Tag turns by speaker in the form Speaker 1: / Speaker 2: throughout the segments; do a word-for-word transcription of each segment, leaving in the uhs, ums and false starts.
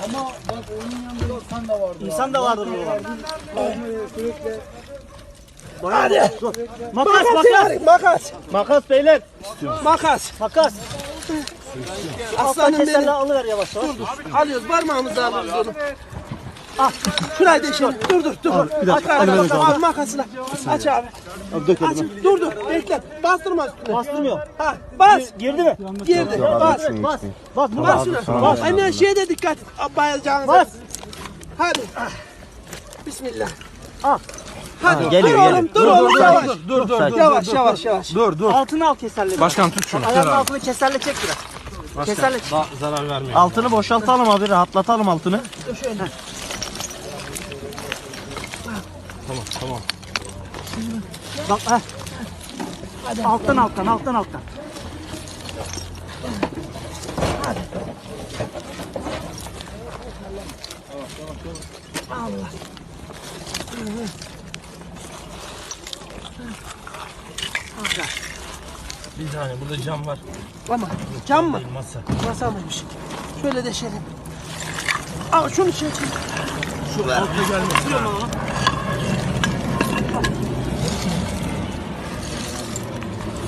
Speaker 1: Ama bak onun yanında insan da vardı.
Speaker 2: İnsan da vardır burada.
Speaker 1: Sürekli.
Speaker 2: Hadi. Makas,
Speaker 3: Makas,
Speaker 2: makas.
Speaker 3: makas.
Speaker 2: Makas beyler.
Speaker 3: Makas.
Speaker 2: Makas. Aslanım
Speaker 3: Aslanım
Speaker 2: keserle
Speaker 3: benim.
Speaker 2: alıver yavaş yavaş.
Speaker 3: Alıyoruz parmağımızla alıyoruz onu.
Speaker 2: Ah.
Speaker 3: Şurayı deşelim. Dur dur dur.
Speaker 2: bir dakika,
Speaker 3: Aç
Speaker 2: hadi
Speaker 3: abi,
Speaker 2: ben
Speaker 3: bak,
Speaker 2: alacağım.
Speaker 3: al makasını. Aç abi.
Speaker 2: Abi dök
Speaker 3: Aç.
Speaker 2: elime.
Speaker 3: Dur dur. Bekle. Bastırma üstüne.
Speaker 2: Bastırmıyor.
Speaker 3: Ha, bas.
Speaker 2: Girdi mi?
Speaker 3: Girdi.
Speaker 2: Bas.
Speaker 3: Bas.
Speaker 2: Bas. Bas. Bunu
Speaker 3: Bas
Speaker 2: bas.
Speaker 3: şuna.
Speaker 2: Bas.
Speaker 3: Anne şeye de dikkat. Bayılacağınıza.
Speaker 2: Bas.
Speaker 3: Hadi. Bismillah.
Speaker 2: Al.
Speaker 3: Hadi.
Speaker 4: Geliyor,
Speaker 3: dur
Speaker 4: geliyor.
Speaker 3: oğlum. Dur oğlum. Yavaş.
Speaker 1: Dur dur dur.
Speaker 3: Yavaş yavaş yavaş.
Speaker 1: Dur dur.
Speaker 2: Altını al keserle.
Speaker 1: Başkan tut şunu.
Speaker 2: Ayağının altını keserle çek biraz. Keserle çek.
Speaker 1: Zarar vermeyin.
Speaker 4: Altını boşaltalım abi, rahatlatalım altını.
Speaker 1: Tamam tamam.
Speaker 2: Bak ha. Alttan alttan alttan alttan.
Speaker 3: Allah.
Speaker 1: Bir tane burada cam var.
Speaker 3: Ama cam mı?
Speaker 1: Masa.
Speaker 3: Masa mıymış? Şöyle deşelim. Al şunu çek.
Speaker 1: Şu ver. Altta gelmesin.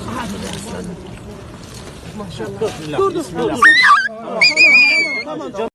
Speaker 3: Maşallah. Dur dur. Dur dur. Tamam tamam. Tamam.